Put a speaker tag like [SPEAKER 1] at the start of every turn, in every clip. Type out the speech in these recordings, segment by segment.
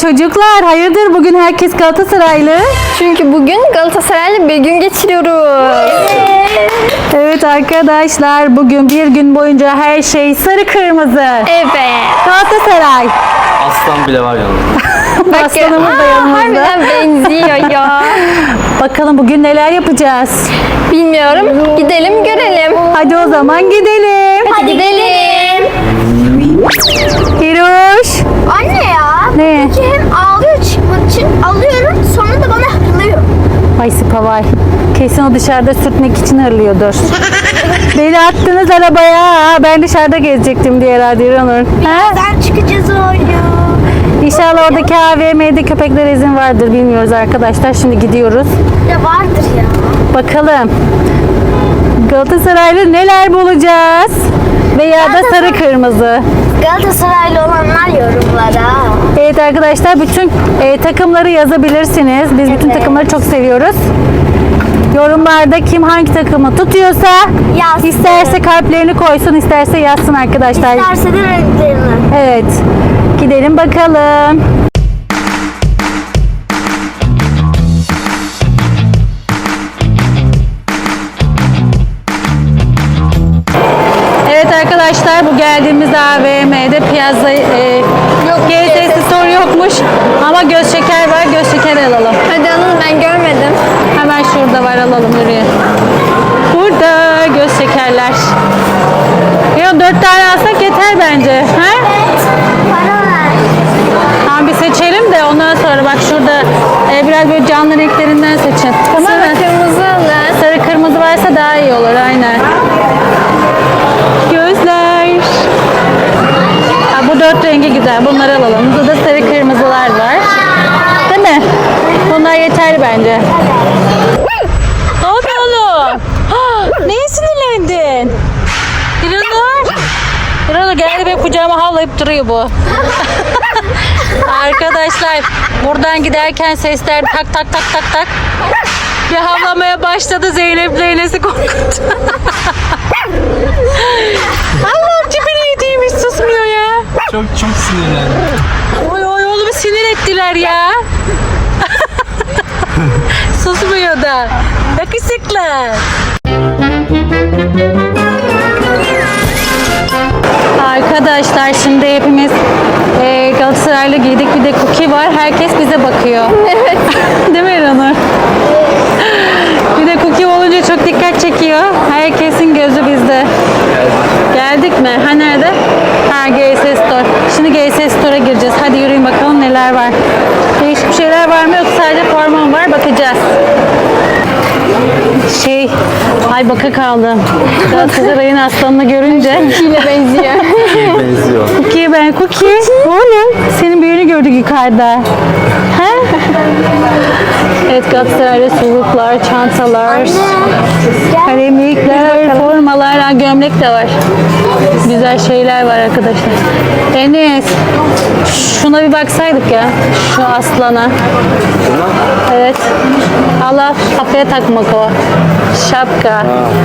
[SPEAKER 1] çocuklar, hayırdır bugün herkes Galatasaraylı?
[SPEAKER 2] Çünkü bugün Galatasaray'la bir gün geçiriyoruz.
[SPEAKER 1] Evet arkadaşlar, bugün bir gün boyunca her şey sarı kırmızı.
[SPEAKER 2] Evet.
[SPEAKER 1] Galatasaray.
[SPEAKER 3] Aslan bile var yanında.
[SPEAKER 1] Aslanımız da yanımızda.
[SPEAKER 2] Harbiden benziyor ya.
[SPEAKER 1] Bakalım bugün neler yapacağız?
[SPEAKER 2] Bilmiyorum. Gidelim görelim.
[SPEAKER 1] Hadi o zaman gidelim.
[SPEAKER 2] Hadi gidelim.
[SPEAKER 1] Hiroş.
[SPEAKER 4] Anne ya.
[SPEAKER 1] Ne?
[SPEAKER 4] Ki hem ağlıyor çıkmak için alıyorum sonra da bana hırlıyor.
[SPEAKER 1] Ay Sipavay. Kesin o dışarıda sürtmek için hırlıyordur. Beni attınız arabaya. Ben dışarıda gezecektim diye herhalde İranur.
[SPEAKER 4] Birazdan çıkacağız oynuyor.
[SPEAKER 1] İnşallah oradaki AVM'de köpeklere izin vardır, bilmiyoruz arkadaşlar. Şimdi gidiyoruz.
[SPEAKER 4] Ya vardır ya.
[SPEAKER 1] Bakalım Galatasaraylı neler bulacağız? Veya da sarı kırmızı.
[SPEAKER 4] Galatasaraylı olanlar yorumlara.
[SPEAKER 1] Evet arkadaşlar, bütün takımları yazabilirsiniz. Biz bütün takımları çok seviyoruz. Yorumlarda kim hangi takımı tutuyorsa
[SPEAKER 4] Yazsın.
[SPEAKER 1] isterse kalplerini koysun, isterse yazsın arkadaşlar.
[SPEAKER 4] İsterse de renklerini.
[SPEAKER 1] Evet. Gidelim bakalım. Evet arkadaşlar, bu geldiğimiz AVM'de Piazza GSS Store yokmuş ama göz şeker var. Göz şeker alalım.
[SPEAKER 2] Hadi alın, ben görmedim.
[SPEAKER 1] Hemen şurada var, alalım, yürüyün. Burada göz şekerler. Ya 4 tane alsak yeter bence. Ha?
[SPEAKER 4] Para ver.
[SPEAKER 1] Tamam, bir seçelim de ondan sonra bak şurada biraz böyle canlı renklerinden seçin. Tamam mı?
[SPEAKER 2] Sarı kırmızı alın.
[SPEAKER 1] Sarı kırmızı varsa daha iyi olur, aynen. Gözler. Ha, bu 4 rengi güzel. Bunları alalım. Burada da sarı kırmızılar var. Değil mi? Bunlar yeterli bence. Ne oldu oğlum? Neye sinirlendin? İranur. İranur geldi, benim kucağıma havlayıp duruyor bu. Arkadaşlar, buradan giderken sesler tak tak tak tak tak. Bir havlamaya başladı, Zeynep'le Enes'i korkuttu. Allah'ım, tipini yediğim hiç susmuyor ya.
[SPEAKER 3] Çok sinirlendim.
[SPEAKER 1] Oy oy, oğlumu sinir ettiler ya. Susmuyor da. Yakışıklı. Arkadaşlar, şimdi hepimiz Galatasaraylı giydik. Bir de Cookie var. Herkes bize bakıyor.
[SPEAKER 2] Evet.
[SPEAKER 1] Değil mi İranur? Bir de Cookie olunca çok dikkat çekiyor. Herkesin gözü bizde. Geldik mi? Ha, nerede? Ha, GS Store. Şimdi GS Store'a gireceğiz. Hadi yürüyün bakalım neler var. Değişik bir şeyler var mı yoksa sadece forma var? Bakacağız. Ay baka kaldım. Galatasaray'ın aslanını görünce.
[SPEAKER 2] Yine benziyor.
[SPEAKER 3] Benziyor.
[SPEAKER 1] Cookie. Oğlum, senin büyüğünü gördük yukarıda. Ha? Evet, Galatasaray'da suluklar, çantalar, kalemlikler, formalar, gömlek de var. Güzel şeyler var arkadaşlar. Enes, şuna bir baksaydık ya. Şu aslana. Evet. Allah, kafaya takmak o. Şapka.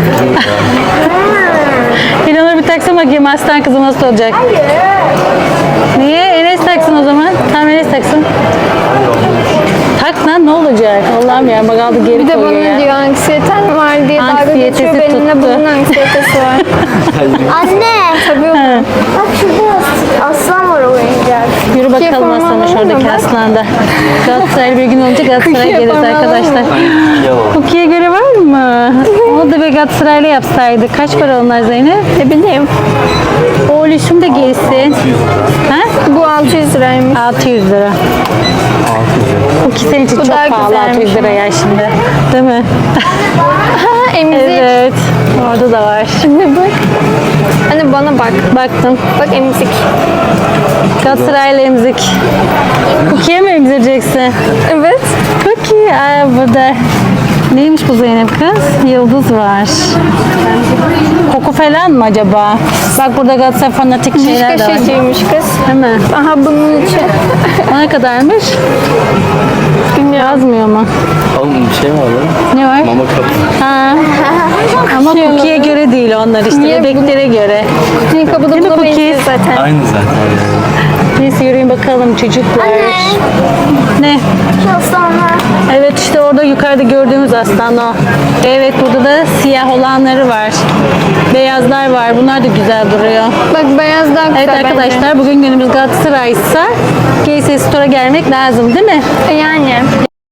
[SPEAKER 1] İnanır bir taksın bakayım, aslan kızım nasıl olacak? Niye? Enes taksın o zaman. Tamam, Enes taksın. Tak lan, ne olacak? Allah'ım ya, bak aldı geri
[SPEAKER 2] Bir de
[SPEAKER 1] koyuyor
[SPEAKER 2] bana
[SPEAKER 1] ya.
[SPEAKER 2] diyor anksiyeten var diye dalga
[SPEAKER 1] Anksiyetesi
[SPEAKER 2] geçiyor. Benimle
[SPEAKER 1] tuttu.
[SPEAKER 2] bunun anksiyetesi var.
[SPEAKER 4] Anne.
[SPEAKER 2] Tabii o.
[SPEAKER 4] Bak şurada aslan var oyuncak.
[SPEAKER 1] Yürü bakalım
[SPEAKER 2] forma
[SPEAKER 1] aslana,
[SPEAKER 2] alalım
[SPEAKER 1] şuradaki
[SPEAKER 2] mı?
[SPEAKER 1] aslanda. Galatasaray bir gün olunca Galatasaray'a
[SPEAKER 2] Cookie'ye
[SPEAKER 1] geliriz
[SPEAKER 2] forma alalım
[SPEAKER 1] arkadaşlar.
[SPEAKER 3] Yalan.
[SPEAKER 1] Cookie'ye göre var mı? Onu da bir Galatasaray'la yapsaydık. Kaç para onlar Zeynep?
[SPEAKER 2] Ne bileyim.
[SPEAKER 1] Oğluşum da giysin. Ha?
[SPEAKER 2] Bu 600 liraymış.
[SPEAKER 1] 600 lira. Cookie senin için
[SPEAKER 2] Bu
[SPEAKER 1] çok
[SPEAKER 2] daha
[SPEAKER 1] pahalı,
[SPEAKER 2] güzelmiş
[SPEAKER 1] 600 lira ya şimdi. Değil mi?
[SPEAKER 2] Ha, emzik.
[SPEAKER 1] Evet. Orada da var.
[SPEAKER 2] Şimdi bak. Hani bana bak.
[SPEAKER 1] Baktım.
[SPEAKER 2] Bak emzik.
[SPEAKER 1] Galatasaray'la emzik. Cookie'ye mi emzireceksin?
[SPEAKER 2] Evet.
[SPEAKER 1] Cookie. Aa, burada. Neymiş bu Zeynep kız? Yıldız var. Koku falan mı acaba? Bak burada Galatasaray fanatik şeyler de var.
[SPEAKER 2] Kaşıcıymış kız.
[SPEAKER 1] Değil mi?
[SPEAKER 2] Aha bunun için.
[SPEAKER 1] O ne kadarmış? Yazmıyor mu?
[SPEAKER 3] Oğlum bir şey mi var lan?
[SPEAKER 1] Ne var?
[SPEAKER 3] Mama kapı.
[SPEAKER 1] Ha. Ama Cookie'ye göre değil onlar işte.
[SPEAKER 2] Niye bu-
[SPEAKER 1] Bebeklere göre.
[SPEAKER 2] Senin kapıda
[SPEAKER 1] Değil mi
[SPEAKER 2] buna
[SPEAKER 1] Cookies?
[SPEAKER 2] benziyor zaten.
[SPEAKER 3] Aynı zaten.
[SPEAKER 1] Neyse yürüyün bakalım çocuklar. Ne?
[SPEAKER 4] Şu sonra.
[SPEAKER 1] Evet işte orada yukarıda gördüğümüz aslan o. Evet burada da siyah olanları var. Beyazlar var. Bunlar da güzel duruyor.
[SPEAKER 2] Bak beyaz daha güzel
[SPEAKER 1] Evet
[SPEAKER 2] bence.
[SPEAKER 1] arkadaşlar bugün günümüz Galatasaray'sa GS Store'a gelmek lazım değil mi?
[SPEAKER 2] Yani.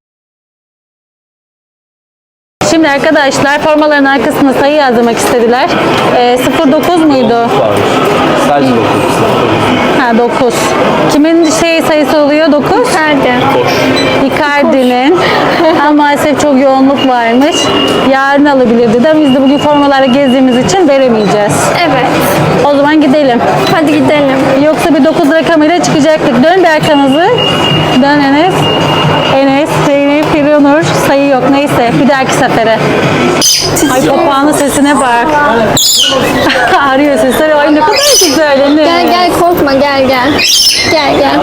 [SPEAKER 1] Şimdi arkadaşlar formaların arkasına sayı yazdırmak istediler. 09 muydu?
[SPEAKER 3] Var. Sadece 9.
[SPEAKER 1] Ha 9. Kimin sayısı oluyor 9?
[SPEAKER 2] Nerede?
[SPEAKER 1] Icardi'nin. Ama maalesef çok yoğunluk varmış. Yarın alabilirdi de biz de bugün formalarla gezdiğimiz için veremeyeceğiz.
[SPEAKER 2] Evet.
[SPEAKER 1] O zaman gidelim.
[SPEAKER 2] Hadi gidelim.
[SPEAKER 1] Yoksa bir 9 rakamıyla çıkacaktık. Dön bir arkanızı. Dön Enes. Enes, Zeynep, Fironur. Sayı yok. Neyse. Bir dahaki sefere. Ay papağanın sesine bak. Arıyor sesleri. Ay ne kadar güzel. Enes.
[SPEAKER 2] Gel gel korkma gel gel. Gel gel.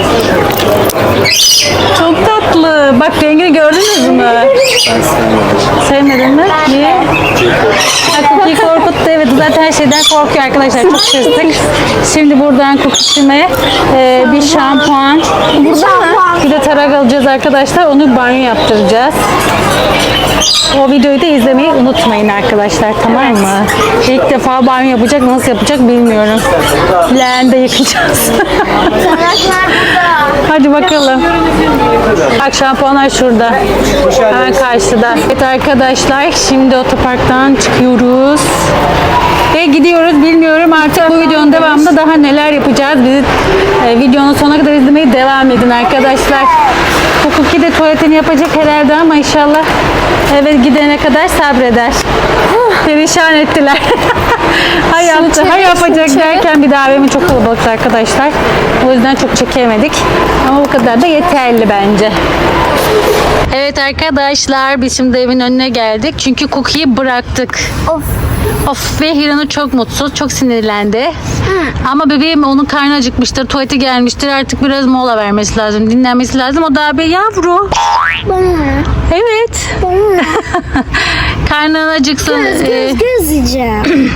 [SPEAKER 1] Çok tatlı. Bak rengini gördünüz mü? Sevmedin mi? Niye? Ha, Cookie korkuttu. Evet zaten her şeyden korkuyor arkadaşlar. Çok şaşırdık. Şimdi buradan Cookie'me bir şampuan. Bir de tarak alacağız arkadaşlar. Onu banyo yaptıracağız. O videoyu da izlemeyi unutmayın arkadaşlar. Tamam mı? İlk defa banyo yapacak. Nasıl yapacak bilmiyorum. Leğende yıkayacağız.
[SPEAKER 4] Tırnaklar burada.
[SPEAKER 1] Hadi bakalım. Bak şampuanlar şurada. Hemen karşıda. Evet arkadaşlar şimdi otoparktan çıkıyoruz. Ve gidiyoruz. Bilmiyorum artık bu videonun devamında daha neler yapacağız. Bizi videonun sonuna kadar izlemeye devam edin arkadaşlar. Bu Cookie de tuvaletini yapacak herhalde ama inşallah eve gidene kadar sabreder. Perişan ettiler. Ha yaptı, ha yapacak derken bir daha evimi çok kalabalıktı arkadaşlar. O yüzden çok çekemedik. Ama bu kadar da yeterli bence. Evet arkadaşlar biz şimdi evin önüne geldik. Çünkü Cookie'yi bıraktık. Of ve Hiranur çok mutsuz, çok sinirlendi. Ama bebeğim onun karnı acıkmıştır, tuvalete gelmiştir. Artık biraz mola vermesi lazım, dinlenmesi lazım. O daha bir yavru. Evet. Karnın acıksın.
[SPEAKER 4] Göz yiyeceğim.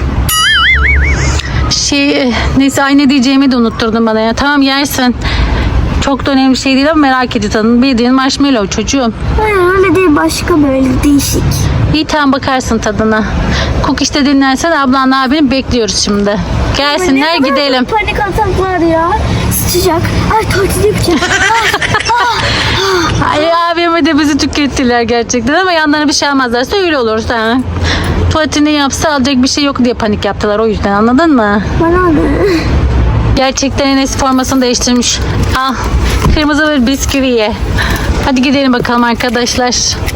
[SPEAKER 1] Neyse ay ne diyeceğimi de unutturdun bana ya. Tamam yersin. Çok da önemli bir şey değil ama merak ediyor tadını. Bildiğin marshmallow çocuğum.
[SPEAKER 4] Öyle değil başka böyle değişik.
[SPEAKER 1] İyi tamam bakarsın tadına. Cook işte dinlensen ablanla abini bekliyoruz şimdi. Gelsinler gidelim.
[SPEAKER 4] Panik ataklar ya. Sıcak. Ay tuvalete yapacağım.
[SPEAKER 1] Ay abime de bizi tükettiler gerçekten ama yanlarına bir şey almazlarsa öyle olur. Ha. Tuvaletini yapsa alacak bir şey yok diye panik yaptılar o yüzden anladın mı?
[SPEAKER 4] Bana ne?
[SPEAKER 1] Gerçekten Enes formasını değiştirmiş. Al kırmızı bir bisküvi ye. Hadi gidelim bakalım arkadaşlar.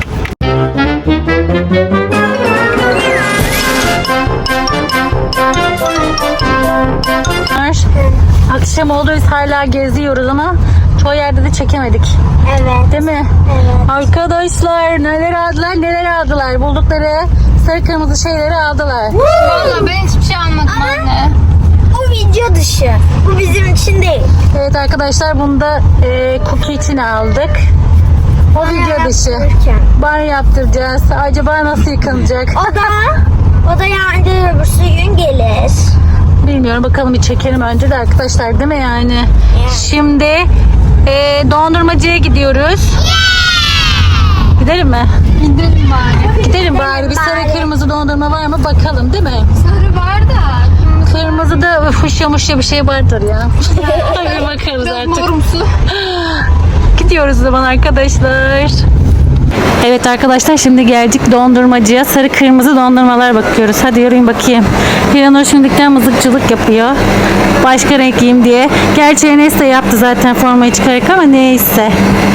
[SPEAKER 1] Akşam oldu biz hala geziyoruz ama çoğu yerde de çekemedik.
[SPEAKER 4] Evet.
[SPEAKER 1] Değil mi?
[SPEAKER 4] Evet.
[SPEAKER 1] Arkadaşlar neler aldılar. Buldukları sarı kırmızı şeyleri aldılar.
[SPEAKER 2] Valla ben hiçbir şey almadım anne.
[SPEAKER 4] Bu video dışı. Bu bizim için değil.
[SPEAKER 1] Evet arkadaşlar bunu da Cookie için aldık. O video dışı. Banyo yaptıracağız. Acaba nasıl yıkanacak?
[SPEAKER 4] O da yani öbürsü gün gelir.
[SPEAKER 1] Bilmiyorum bakalım bir çekelim önce de arkadaşlar değil mi yani? Şimdi dondurmacıya gidiyoruz. Gidelim mi?
[SPEAKER 2] Gidelim bari.
[SPEAKER 1] Gidelim bari. Bir sarı kırmızı dondurma var mı bakalım değil mi?
[SPEAKER 2] Sarı var da.
[SPEAKER 1] Kırmızıda fuşya bir şey vardır ya. Hadi bakarız artık.
[SPEAKER 2] Morumsu.
[SPEAKER 1] Gidiyoruz o zaman arkadaşlar. Evet arkadaşlar şimdi geldik dondurmacıya. Sarı kırmızı dondurmalar bakıyoruz. Hadi yürüyün bakayım. Hiranur şimdilikten mızıkçılık yapıyor. Başka renk giyeyim diye. Gerçi Enes de yaptı zaten formayı çıkarak ama neyse.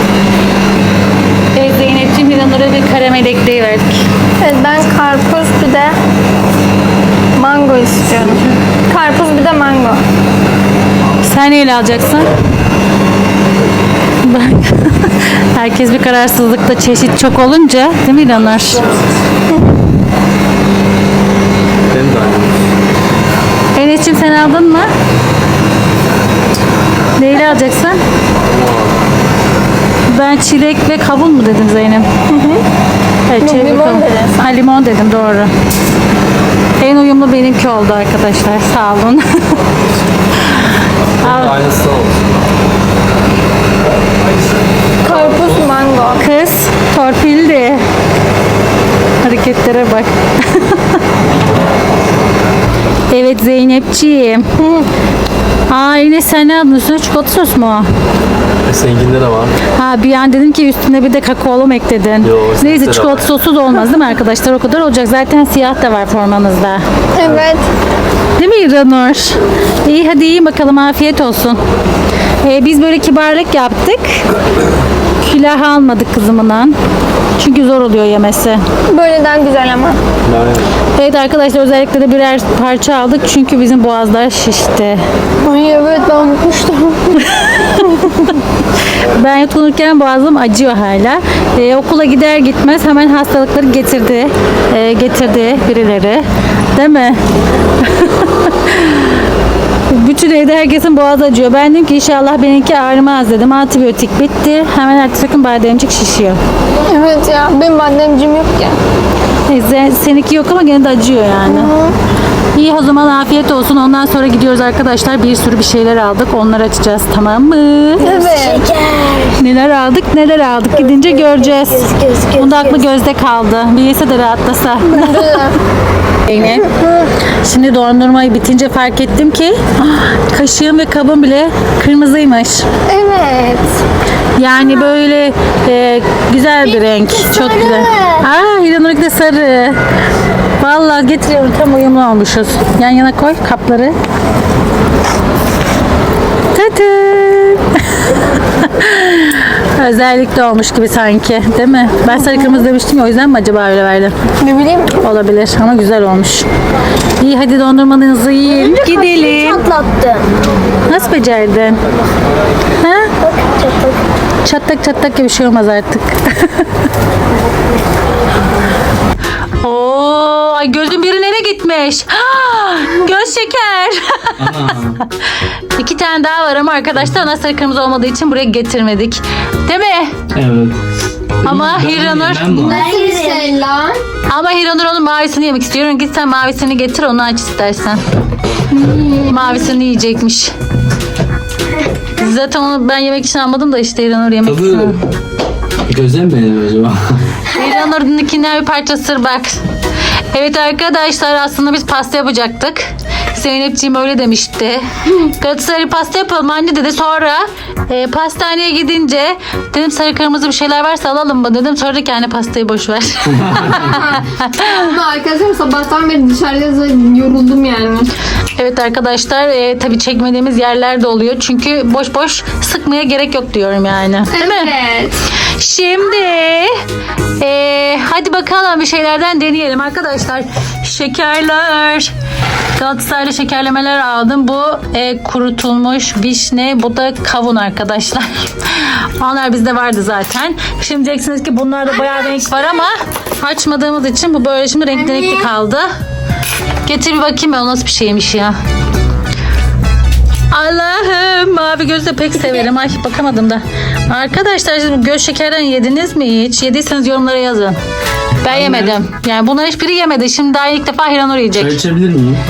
[SPEAKER 1] Evet Zeynep'ciğim Hiranur'a bir karamel ekleği verdik.
[SPEAKER 2] Evet ben karpuz bir de mango istiyorum. Karpuz bir de mango.
[SPEAKER 1] Sen neyle alacaksın? Bak. Herkes bir kararsızlıkta çeşit çok olunca değil mi İlhanur?
[SPEAKER 3] Benim de aynı.
[SPEAKER 1] Enes'ciğim sen aldın mı? Neyle alacaksın? Ben Ben çilek ve kavun mu dedim Zeynep? Evet, çilek ve
[SPEAKER 2] limon
[SPEAKER 1] kavun.
[SPEAKER 2] dedin sen.
[SPEAKER 1] Ha, limon dedim, doğru. En uyumlu benimki oldu arkadaşlar. Sağ olun.
[SPEAKER 3] Aynısı olsun.
[SPEAKER 2] Karpuz, mango.
[SPEAKER 1] Kız torpilli. Hareketlere bak. Evet Zeynepciğim. Aa yine sen ne aldın? Üstüne çikolata sos mu o?
[SPEAKER 3] Seninkinde de var.
[SPEAKER 1] Ha bir an dedim ki üstüne bir de kakaolu mu ekledin?
[SPEAKER 3] Yo,
[SPEAKER 1] Neyse
[SPEAKER 3] de
[SPEAKER 1] çikolata
[SPEAKER 3] var.
[SPEAKER 1] sosu da olmaz değil mi arkadaşlar? O kadar olacak. Zaten siyah da var formanızda.
[SPEAKER 2] Evet.
[SPEAKER 1] Değil mi İranur? İyi hadi yiyin bakalım, afiyet olsun. Biz böyle kibarlık yaptık. Külah almadık kızımından. Çünkü zor oluyor yemesi.
[SPEAKER 2] Böyleden güzel ama.
[SPEAKER 1] Evet arkadaşlar, özellikle de birer parça aldık. Çünkü bizim boğazlar şişti.
[SPEAKER 2] Ay evet, ben unutmuştum.
[SPEAKER 1] Ben yutkunurken boğazım acıyor hala. Okula gider gitmez hemen hastalıkları getirdi. Getirdi birileri. Değil mi? Bütün evde herkesin boğazı acıyor. Ben dedim ki inşallah benimki ağrımaz dedim. Antibiyotik bitti. Hemen ertesi gün bademcik şişiyor.
[SPEAKER 2] Evet ya, benim bademcim yok ya.
[SPEAKER 1] Neyse, seninki yok ama gene de acıyor yani. İyi, o zaman afiyet olsun. Ondan sonra gidiyoruz arkadaşlar. Bir sürü bir şeyler aldık. Onları açacağız, tamam mı?
[SPEAKER 2] Evet.
[SPEAKER 1] Neler aldık gidince göreceğiz. Bunda aklı gözde kaldı. Bir yese de rahatlasa. Zeynep. Şimdi dondurmayı bitince fark ettim ki kaşığım ve kabım bile kırmızıymış.
[SPEAKER 2] Evet.
[SPEAKER 1] Yani böyle güzel bir renk. Çok güzel. Aa, İranur'unki de sarı. Vallahi getiriyorum, tam uyumlu olmuşuz. Yan yana koy kapları. Tadın. Özellikle olmuş gibi sanki, değil mi? Ben sarı kırmızı demiştim ya, o yüzden mi acaba öyle verdim?
[SPEAKER 2] Ne bileyim.
[SPEAKER 1] Olabilir ama güzel olmuş. İyi hadi dondurmanızı yiyin. Gidelim.
[SPEAKER 4] Çatlattım.
[SPEAKER 1] Nasıl becerdin? Ha?
[SPEAKER 4] Çatlak.
[SPEAKER 1] Çatlak gibi bir şey olmaz artık. Oo, ay gözün biri nereye gitmiş? Göz şeker. İki tane daha var ama arkadaşlar ona sarı kırmızı olmadığı için buraya getirmedik. Değil mi?
[SPEAKER 3] Evet.
[SPEAKER 1] Ama Hiranur
[SPEAKER 2] Selam.
[SPEAKER 1] Ama Hiranur onun mavisini yemek istiyorum. Git sen mavisini getir, onu aç istersen. Mavisini yiyecekmiş. Zaten onu ben yemek için almadım da işte Hiranur yemek
[SPEAKER 3] Tadı
[SPEAKER 1] istiyor.
[SPEAKER 3] göze mi benziyor acaba?
[SPEAKER 1] Hiranur'unkinden bir parça sır bak. Evet arkadaşlar, aslında biz pasta yapacaktık. Zeynepciğim öyle demişti. Galatasaraylı pasta yapalım anne dedi. Sonra pastaneye gidince dedim sarı kırmızı bir şeyler varsa alalım mı dedim. Sonra da yani pastayı boş ver.
[SPEAKER 2] Ama arkadaşlar sabahtan beri dışarıda yoruldum yani.
[SPEAKER 1] Evet arkadaşlar, tabii çekmediğimiz yerler de oluyor. Çünkü boş boş sıkmaya gerek yok diyorum yani. Değil mi?
[SPEAKER 2] Evet.
[SPEAKER 1] Şimdi hadi bakalım bir şeylerden deneyelim arkadaşlar. Şekerler. Galatasaraylı şekerlemeler aldım. Bu kurutulmuş vişne, bu da kavun arkadaşlar. Onlar bizde vardı zaten. Şimdi diyeceksiniz ki bunlarda bayağı renk var ama açmadığımız için bu böyle şimdi renkli kaldı. Getir bir bakayım ben, o nasıl bir şeymiş ya. Allah'ım, mavi gözü de pek severim. Ay bakamadım da. Arkadaşlar siz bu göz şekerden yediniz mi hiç? Yediyseniz yorumlara yazın. Ben yemedim. Yani bunlar hiçbiri yemedi. Şimdi daha ilk defa Hiranur yiyecek.
[SPEAKER 3] Çay içebilir miyim?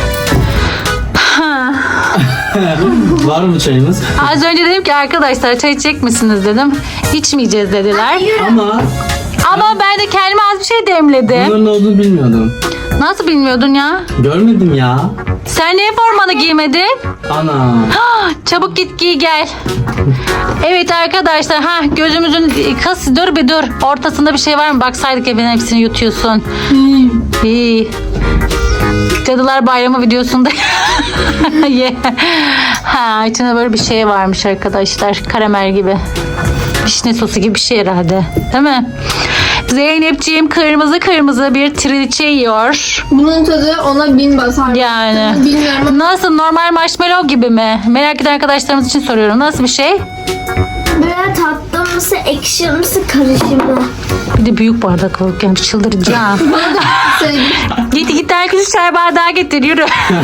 [SPEAKER 3] Var mı çayımız?
[SPEAKER 1] Az önce dedim ki arkadaşlar çay içecek misiniz dedim. İçmeyeceğiz dediler. Ama ben de kendime az bir şey demledim.
[SPEAKER 3] Bunların ne olduğunu bilmiyordum.
[SPEAKER 1] Nasıl bilmiyordun ya?
[SPEAKER 3] Görmedim ya.
[SPEAKER 1] Sen niye formanı giymedin?
[SPEAKER 3] Ana.
[SPEAKER 1] Çabuk git giy gel. Evet arkadaşlar, gözümüzün kız dur bir dur. Ortasında bir şey var mı? Baksaydık evin hepsini yutuyorsun. İyi. Cadılar Bayramı videosunda. Ye. İçinde böyle bir şey varmış arkadaşlar. Karamel gibi. Vişne sosu gibi bir şey herhalde. Değil mi? Zeynepciğim kırmızı kırmızı bir trileçe yiyor.
[SPEAKER 2] Bunun tadı ona 1000 basar.
[SPEAKER 1] Yani.
[SPEAKER 2] Bilmiyorum.
[SPEAKER 1] Nasıl, normal marshmallow gibi mi? Merak eden arkadaşlarımız için soruyorum. Nasıl bir şey?
[SPEAKER 4] Böyle tattım mısı ekşi mısı karışımı.
[SPEAKER 1] Bir de büyük bardak alıp gelmiş, çıldıracağım. Git herkes çay bardağı getir, yürü.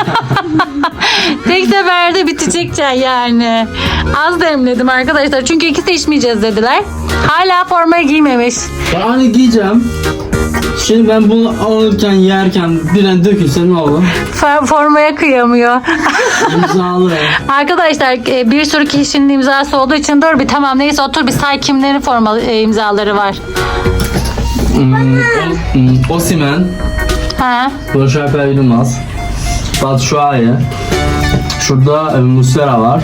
[SPEAKER 1] Tek seferde bitecek çay yani. Az demledim arkadaşlar çünkü ikisi de içmeyeceğiz dediler. Hala formayı giymemiş.
[SPEAKER 3] Yani giyeceğim. Şimdi ben bunu alırken yerken bir an dökülse ne olur?
[SPEAKER 1] Formaya kıyamıyor.
[SPEAKER 3] İmzalı.
[SPEAKER 1] Arkadaşlar bir sürü kişinin imzası olduğu için dur bir tamam neyse otur bir say kimlerin formalı imzaları var.
[SPEAKER 3] Osimhen,
[SPEAKER 1] Ha.
[SPEAKER 3] Barış Alper Yılmaz, Batshuayi. Şurada Muslera var.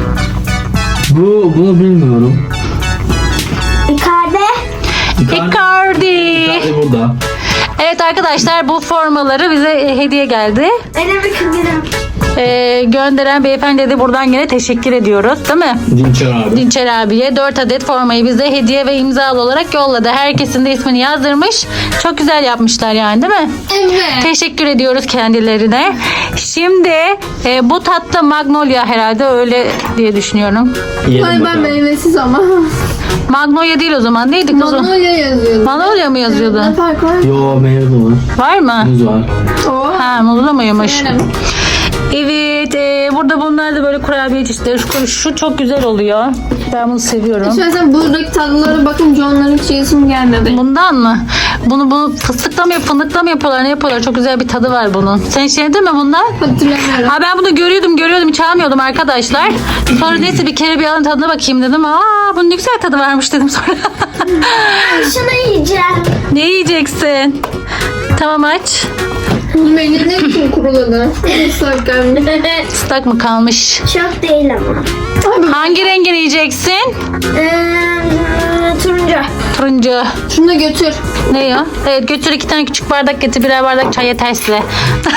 [SPEAKER 3] Bunu bilmiyorum.
[SPEAKER 4] Icardi.
[SPEAKER 1] Icardi.
[SPEAKER 3] Icardi burada.
[SPEAKER 1] Evet arkadaşlar bu formaları bize hediye geldi.
[SPEAKER 4] Benim kızım.
[SPEAKER 1] Gönderen beyefendiye de buradan yine teşekkür ediyoruz değil mi?
[SPEAKER 3] Dinçer abi.
[SPEAKER 1] Dinçer abiye 4 adet formayı bize hediye ve imzalı olarak yolladı. Herkesin de ismini yazdırmış. Çok güzel yapmışlar yani değil mi?
[SPEAKER 2] Evet.
[SPEAKER 1] Teşekkür ediyoruz kendilerine. Şimdi bu tatlı Magnolia herhalde öyle diye düşünüyorum.
[SPEAKER 3] Yiyelim
[SPEAKER 2] Ay ben
[SPEAKER 3] bakalım.
[SPEAKER 2] meyvesiz ama.
[SPEAKER 1] Magnolia değil o zaman. Neydi kızım?
[SPEAKER 2] Magnolia yazıyordu.
[SPEAKER 1] Magnolia mı yazıyordu?
[SPEAKER 2] Ne fark var?
[SPEAKER 3] Yo, meyve de var.
[SPEAKER 1] Var mı?
[SPEAKER 3] Muz var.
[SPEAKER 2] Oo.
[SPEAKER 1] Ha, muzlu muymuş?
[SPEAKER 2] Beğendim.
[SPEAKER 1] Evet, burada bunlar da böyle kurabiye çeşitleri. Şu çok güzel oluyor. Ben bunu seviyorum.
[SPEAKER 2] Şahsen buradaki tatlılara bakınca onların hiç yesim gelmedi.
[SPEAKER 1] Bundan mı? Bunu fıstıkla mı fındıkla mı yapıyorlar? Ne yapıyorlar? Çok güzel bir tadı var bunun. Sen hiç yedin mi bundan?
[SPEAKER 2] Hatırlamıyorum.
[SPEAKER 1] Ha ben bunu görüyordum hiç almıyordum arkadaşlar. Sonra neyse bir kere bir alın tadına bakayım dedim. Bunun ne güzel tadı varmış dedim sonra.
[SPEAKER 4] Şunu yiyeceğim.
[SPEAKER 1] Ne yiyeceksin? Tamam aç.
[SPEAKER 2] Beni ne için kuruladı? Islak gelmiş.
[SPEAKER 1] Islak mı kalmış?
[SPEAKER 4] Çok değil ama.
[SPEAKER 1] Hangi rengini yiyeceksin?
[SPEAKER 4] Turuncu.
[SPEAKER 1] Turuncu.
[SPEAKER 2] Şunu da götür.
[SPEAKER 1] Ne ya? Evet götür 2 tane küçük bardak getir. Birer bardak çay yeter size.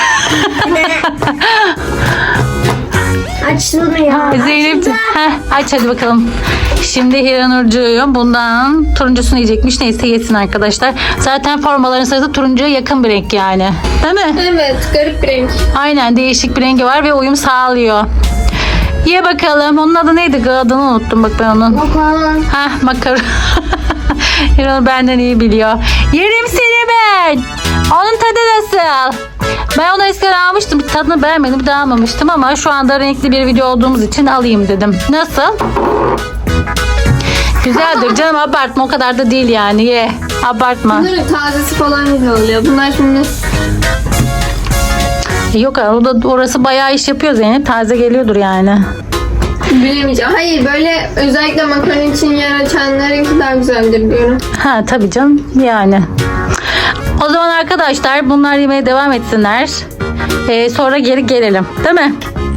[SPEAKER 4] Açtım ya.
[SPEAKER 1] Zeynep
[SPEAKER 4] Açtım.
[SPEAKER 1] aç hadi bakalım. Şimdi Hiranurcuğum bundan turuncusunu yiyecekmiş. Neyse yesin arkadaşlar. Zaten formaların sırası turuncuya yakın bir renk yani. Değil mi?
[SPEAKER 2] Evet, garip bir renk.
[SPEAKER 1] Aynen değişik bir rengi var ve uyum sağlıyor. Ye bakalım. Onun adı neydi? Adını unuttum bak ben onun.
[SPEAKER 4] Bakalım.
[SPEAKER 1] Makaron. Hiranur benden iyi biliyor. Yerim seni ben. Onun tadı nasıl? Ben onu eskiden almıştım. Tadını beğenmedim. Bir daha almamıştım ama şu anda renkli bir video olduğumuz için alayım dedim. Nasıl? Güzeldir canım, abartma, o kadar da değil yani, ye. Abartma.
[SPEAKER 2] Bunların tazesi falan güzel oluyor. Bunlar şimdi
[SPEAKER 1] Yok orası bayağı iş yapıyor Zeynep. Taze geliyordur yani.
[SPEAKER 2] bilemeyeceğim. Hayır, böyle özellikle makarna için yer açanlarınki daha güzeldir diyorum.
[SPEAKER 1] Ha tabii canım yani. O zaman arkadaşlar bunlar yemeye devam etsinler. Sonra geri gelelim. Değil mi?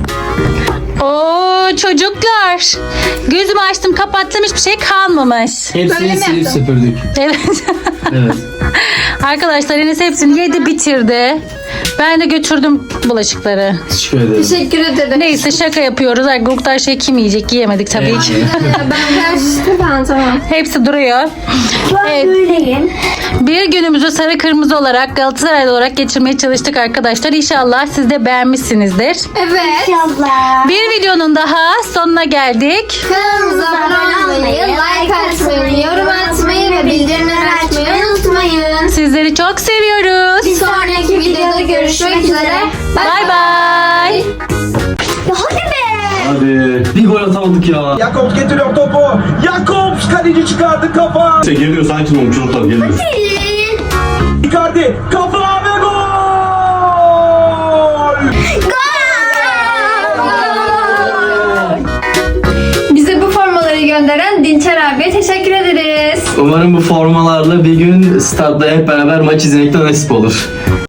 [SPEAKER 1] Oo çocuklar. Gözümü açtım kapattım, hiçbir şey kalmamış.
[SPEAKER 2] Böyle
[SPEAKER 3] Hepsini
[SPEAKER 2] mi
[SPEAKER 3] silip
[SPEAKER 2] yaptın?
[SPEAKER 3] süpürdük.
[SPEAKER 1] Evet.
[SPEAKER 3] Evet.
[SPEAKER 1] Arkadaşlar Enes hepsini yedi bitirdi. Ben de götürdüm bulaşıkları.
[SPEAKER 3] Teşekkür ederim.
[SPEAKER 2] Teşekkür ederim.
[SPEAKER 1] Neyse şaka yapıyoruz. Arkadaşlar şey kim yiyecek? Yiyemedik tabii ki.
[SPEAKER 2] Tamam.
[SPEAKER 1] Hepsi duruyor.
[SPEAKER 4] Ben
[SPEAKER 1] Evet.
[SPEAKER 4] böyleyim.
[SPEAKER 1] Bir günümüzü sarı kırmızı olarak Galatasaraylı olarak geçirmeye çalıştık arkadaşlar. İnşallah siz de beğenmişsinizdir.
[SPEAKER 2] Evet.
[SPEAKER 4] İnşallah.
[SPEAKER 1] Bir videonun daha sonuna geldik.
[SPEAKER 2] Kanalımıza abone olmayı, like atmayı, yorum atmayı ve bildirimleri açmayı unutmayın.
[SPEAKER 1] Sizleri çok seviyoruz.
[SPEAKER 2] Bir sonraki videoda görüşmek üzere.
[SPEAKER 1] Bay bay.
[SPEAKER 4] Hadi be.
[SPEAKER 3] Hadi. Bir gol atamadık ya.
[SPEAKER 5] Jakobs getiriyor topu. Jakobs kaleci çıkardı kafa.
[SPEAKER 6] Geliyor, sakin olun çocuklar, geliyor.
[SPEAKER 5] Icardi kafa ve gol.
[SPEAKER 2] Bize bu formaları gönderen Dinçer abiye teşekkür ederiz.
[SPEAKER 3] Umarım bu formalarla bir gün stadyumda hep beraber maç izlemekten nasip olur.